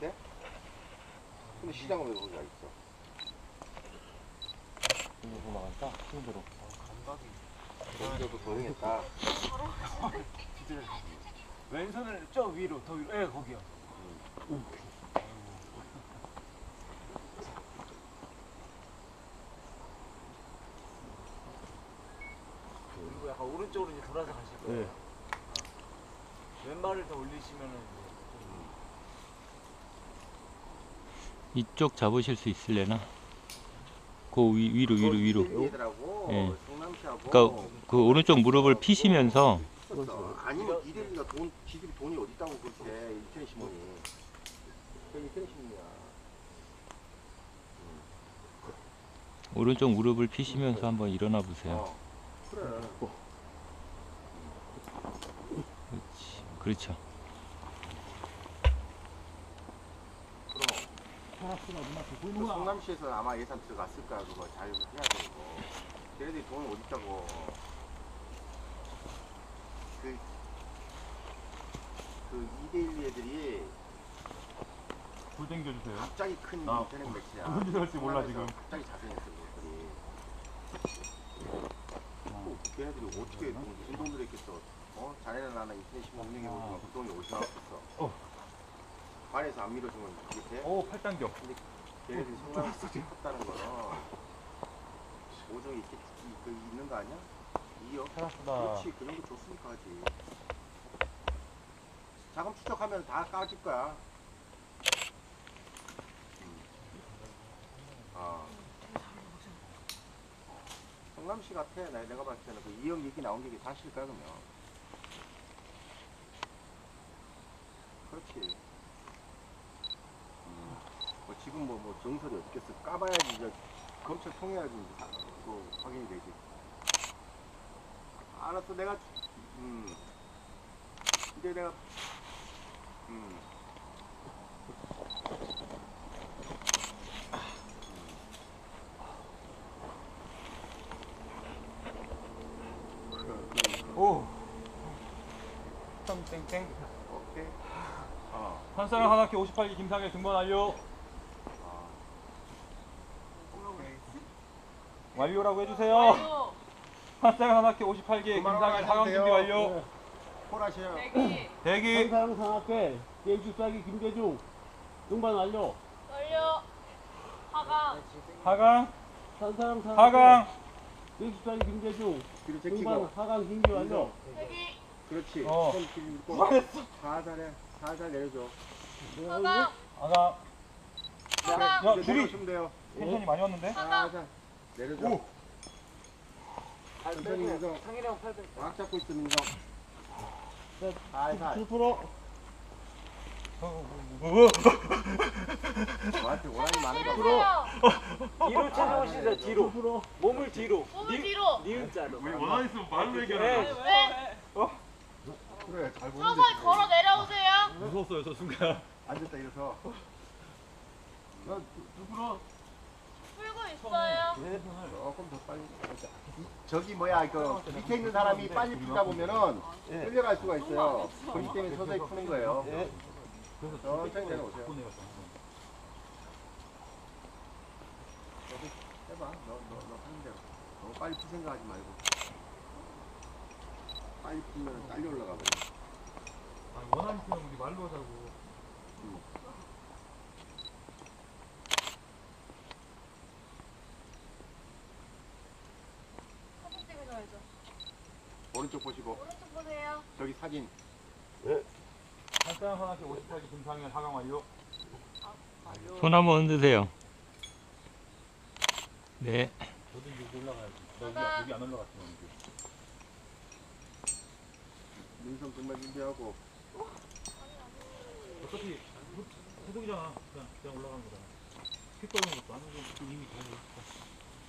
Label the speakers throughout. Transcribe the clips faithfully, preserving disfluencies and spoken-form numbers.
Speaker 1: 같아? 근데 시장은 왜 거기가 있어?
Speaker 2: 이거 나간다. 힘들어.
Speaker 3: 감각이.
Speaker 1: 거기서도 도용했다.
Speaker 3: 왼손을 저 위로, 더 위로. 예, 거기요.
Speaker 1: 음.
Speaker 3: 그리고 약간 오른쪽으로 이제 돌아서 가실 거예요.
Speaker 2: 네.
Speaker 3: 왼발을 더 올리시면은 이제
Speaker 4: 이쪽 잡으실 수 있을래나? 그 위, 위로 위로 위로. 예. 그러니까 그 오른쪽 무릎을 피시면서
Speaker 1: 아니면 이대리가 돈, 지들이 돈이 어디 있다고 그렇게 인터넷 신문이. 그 인터넷 신문이야.
Speaker 4: 오른쪽 무릎을 피시면서 한번 일어나 보세요.
Speaker 1: 어, 그래.
Speaker 4: 그렇지. 그렇죠.
Speaker 1: 그 성남시에서 아마 예산 들어갔을 거야. 그거 잘 해야 되고. 걔네들이 돈이 어디 있다고. 그, 그 이대일 애들이
Speaker 2: 불 당겨주세요.
Speaker 1: 갑자기 큰
Speaker 2: 아.
Speaker 1: 인터넷 매체야.
Speaker 2: 뭔지 할지 몰라, 지금.
Speaker 1: 갑자기 자생했어 그것들이. 어, 걔네들이 어떻게 돈, 무슨 돈으로 했겠어. 어? 자네는 나는 인터넷 신문 운영해보지만 그 돈이 어디서 나왔겠어.
Speaker 2: 어.
Speaker 1: 반에서 안 밀어주면 이렇게.
Speaker 2: 오, 팔 당겨.
Speaker 1: 근데 걔네들이 성남에서 컸다는 거는 오종이 이렇게 그 있는 거 아니야? 이억?
Speaker 2: 살았다.
Speaker 1: 그렇지, 그 정도 줬으니까 하지. 자금 추적하면 다 까질 거야. 음. 아. 성남시 같아. 나, 내가 봤을 때는 그 이억 얘기 나온 게 사실일까, 그러면. 그렇지. 음. 뭐 지금 뭐, 뭐 정설이 어떻겠어. 까봐야지, 이제 검찰 통해야지, 이제 다, 그 확인이 되지. 알았어, 내가, 음. 이제 내가, 음.
Speaker 2: 오. 삼 땡땡.
Speaker 1: 오케이. 어.
Speaker 2: 한사랑 하나키 오십팔 기 김상일 등반 완료.
Speaker 1: 아.
Speaker 2: 완료라고 해주세요. 한사랑 하나키 오십팔 기 김상일 하강 준비 완료.
Speaker 1: 콜하셔요.
Speaker 2: 대기.
Speaker 5: 한사랑 상학회 예주사기 김대중 등반 완료.
Speaker 6: 떨려. 하강.
Speaker 2: 하강.
Speaker 5: 한사랑 상학회
Speaker 2: 하강.
Speaker 5: 예주사기 김대중
Speaker 1: 뒤로
Speaker 5: 등반
Speaker 1: 제끼고.
Speaker 5: 하강 준비 완료.
Speaker 6: 대기.
Speaker 1: 그렇지.
Speaker 2: 어.
Speaker 1: 손 뒤로 살살해. 살살 내려줘.
Speaker 6: 하강.
Speaker 2: 하강.
Speaker 6: 하강.
Speaker 2: 야,
Speaker 1: 이제
Speaker 2: 줄이.
Speaker 1: 내려주면 돼요.
Speaker 2: 텐션이 많이 왔는데?
Speaker 1: 살살. 내려줘.
Speaker 2: 오.
Speaker 1: 천천히 민성.
Speaker 3: 상이랑 팔 백.
Speaker 1: 꽉 잡고 있어, 민성. 살살.
Speaker 5: 칠 퍼센트
Speaker 1: 너한테 원한이 많은 거
Speaker 6: 때리세요.
Speaker 3: 뒤로 찾아오시죠, 뒤로.
Speaker 5: 칠 퍼센트
Speaker 3: 몸을 뒤로.
Speaker 6: 몸을 뒤로.
Speaker 3: 니은자로.
Speaker 2: 원한 있으면 말로
Speaker 3: 네.
Speaker 6: 네.
Speaker 1: 그래, 잘 보는데.
Speaker 6: 서서히 걸어 내려오세요.
Speaker 2: 무서웠어요, 저 순간.
Speaker 1: 앉았다, 일어서.
Speaker 6: 풀고 있어요.
Speaker 1: 조금 더 빨리. 저기 뭐야, 그 밑에 있는 사람이 빨리 풀다 보면은 끌려갈 수가 있어요. 그렇기 때문에 서서히 푸는 거예요. 천천히 내려오세요. 해봐. 너, 너, 너 하는 대로. 너무 빨리 풀 생각하지 말고. 빨리 풀면 딸려 올라가 버려.
Speaker 2: 아, 원한 있으면 우리 말로 하자고.
Speaker 1: 응.
Speaker 6: 사진 찍으셔야죠.
Speaker 1: 오른쪽 보시고.
Speaker 6: 오른쪽 보세요.
Speaker 1: 저기 사진.
Speaker 2: 한사랑 하나키 오십팔 기 김상일 하강 완료.
Speaker 4: 손 한번 흔드세요. 네.
Speaker 2: 저도 여기 올라가야지. 나 여기,
Speaker 6: 하강.
Speaker 2: 여기 안 올라갔지만 이제.
Speaker 1: 민성 정말 준비하고.
Speaker 2: 어차피 소독이잖아. 그냥 그냥 올라가는 거잖아. 피 떠는 것도 안 오고 이미 다 있어.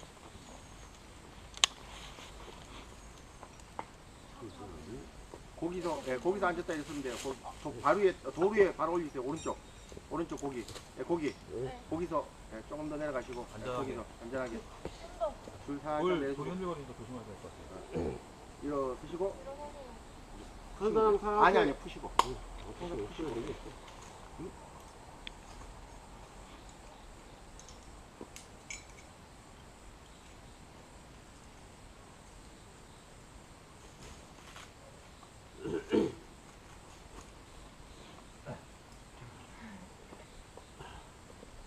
Speaker 1: 거기서, 예, 거기서 앉았다 있으면 돼요. 거, 저 바로 위에, 돌 위에 바로 올리세요. 오른쪽. 오른쪽 고기. 예, 고기.
Speaker 6: 네.
Speaker 1: 거기서 예, 조금 더 내려가시고. 예,
Speaker 2: 안전하게.
Speaker 1: 거기서 안전하게. 줄 살짝
Speaker 2: 뭘
Speaker 1: 내리시고.
Speaker 2: 돌이 흔들거리니까 조심해야 될 것 같아.
Speaker 1: 일어서시고.
Speaker 5: 한사랑 상학회
Speaker 1: 아니, 아니, 푸시고.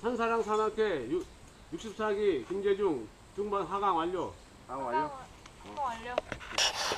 Speaker 5: 한사랑 산악회 육십사 기 김재중 중반 하강 완료.
Speaker 1: 아 완료.
Speaker 6: 한번 완료.